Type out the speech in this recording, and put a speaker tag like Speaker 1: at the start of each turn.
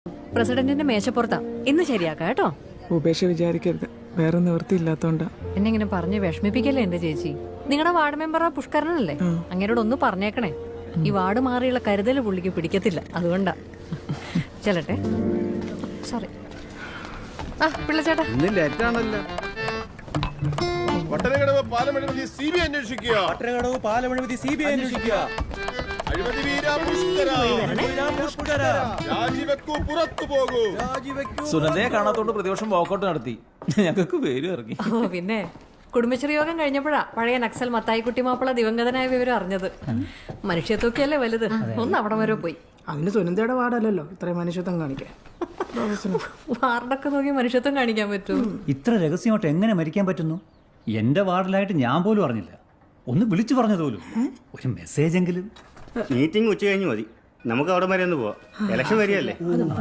Speaker 1: പ്രസിഡന്റിന്റെ മേശപ്പുറത്താ. ഇന്ന് ശരിയാക്കാം കേട്ടോ.
Speaker 2: ഉപേക്ഷ വിചാരിക്കരുത്, വേറെ നിവൃത്തിയില്ലാത്തോണ്ടാ.
Speaker 1: എന്നെ ഇങ്ങനെ പറഞ്ഞ് വിഷമിപ്പിക്കല്ലേ എന്റെ ചേച്ചി. നിങ്ങളുടെ വാർഡ് മെമ്പറാ പുഷ്കരനല്ലേ? അങ്ങനോട് ഒന്ന് പറഞ്ഞേക്കണേ. ഈ വാർഡ് മാറിയുള്ള കരുതല് പുള്ളിക്ക് പിടിക്കത്തില്ല, അതുകൊണ്ടാ. ചെല്ലട്ടെ. സോറി. ആ പിള്ളച്ചേട്ടാ,
Speaker 3: പട്ടണകടവ് പാലമഴിമതി CBI അന്വേഷിക്കുക.
Speaker 4: പട്ടണകടവ് പാലമഴിമതി CBI അന്വേഷിക്കുക.
Speaker 3: അഴിമതി വീര പുഷ്കര. രാജിവെക്കൂ, പുറത്തു പോകൂ.
Speaker 4: സുനന്ദയെ കാണാത്തോണ്ട് പ്രതിപക്ഷം വാക്കൗട്ട് നടത്തി. ഞങ്ങൾക്ക് പേര് ഇറങ്ങി.
Speaker 1: ഓ പിന്നെ കുടുംബശ്രീ യോഗം കഴിഞ്ഞപ്പോഴാ പഴയ നക്സൽ മത്തായിക്കുട്ടി മാപ്പിള ദിവംഗതനായ വിവരം അറിഞ്ഞത്. മനുഷ്യത്വക്കല്ലേ വലുത്. ഒന്ന് അവിടെ വരെ പോയി.
Speaker 2: അതിന് സുനന്ദയുടെ വാർഡല്ലല്ലോ ഇത്രയും മനുഷ്യത്വം കാണിക്കാൻ.
Speaker 1: വാർഡൊക്കെ നോക്കി മനുഷ്യത്വം കാണിക്കാൻ പറ്റൂ?
Speaker 5: ഇത്ര രഹസ്യമായിട്ട് എങ്ങനെ മരിക്കാൻ പറ്റുന്നു? എന്റെ വാർഡിലായിട്ട് ഞാൻ പോലും അറിഞ്ഞില്ല. ഒന്ന് വിളിച്ചു പറഞ്ഞത് പോലും. ഒരു മെസ്സേജ് എങ്കിലും.
Speaker 6: മീറ്റിംഗ് ഉച്ച കഴിഞ്ഞ് മതി, നമുക്ക് അവിടെ വരെ ഒന്ന് പോവാം. ഇലക്ഷൻ വരികയല്ലേ.